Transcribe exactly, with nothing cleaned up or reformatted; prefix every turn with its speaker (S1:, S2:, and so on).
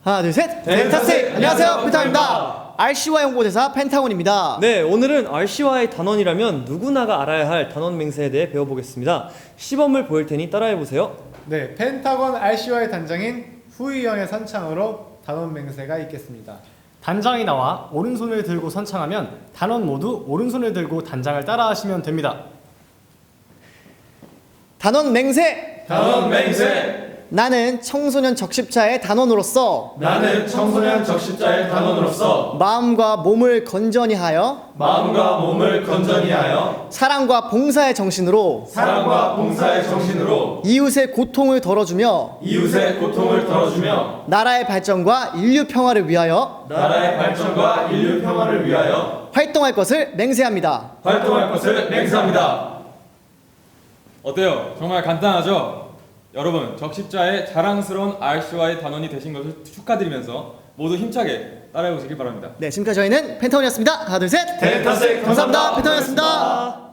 S1: 하나 둘 셋.
S2: 펜타스틱!
S1: 안녕하세요, 펜타곤입니다. 알씨와이 홍보대사 펜타곤입니다.
S2: 네, 오늘은 알씨와이 단원이라면 누구나가 알아야 할 단원 맹세에 대해 배워보겠습니다. 시범을 보일 테니 따라해보세요.
S3: 네, 펜타곤 알씨와이 단장인 후이형의 선창으로 단원 맹세가 있겠습니다.
S4: 단장이 나와 오른손을 들고 선창하면 단원 모두 오른손을 들고 단장을 따라하시면 됩니다.
S1: 단원 맹세.
S5: 단원 맹세.
S1: 나는 청소년 적십자의 단원으로서
S5: 나는 청소년 적십자의 단원으로서
S1: 마음과 몸을 건전히 하여
S5: 마음과 몸을 건전히 하여
S1: 사랑과 봉사의 정신으로
S5: 사랑과 봉사의 정신으로
S1: 이웃의 고통을 덜어주며
S5: 이웃의 고통을 덜어주며
S1: 나라의 발전과 인류 평화를 위하여
S5: 나라의 발전과 인류 평화를 위하여
S1: 활동할 것을 맹세합니다.
S5: 활동할 것을 맹세합니다.
S6: 어때요? 정말 간단하죠? 여러분, 적십자의 자랑스러운 알씨와이 단원이 되신 것을 축하드리면서 모두 힘차게 따라해 보시길 바랍니다.
S1: 네, 지금까지 저희는 펜타곤이었습니다. 하나 둘 셋.
S5: 펜타스틱
S1: 감사합니다.
S5: 감사합니다.
S1: 펜타곤이었습니다.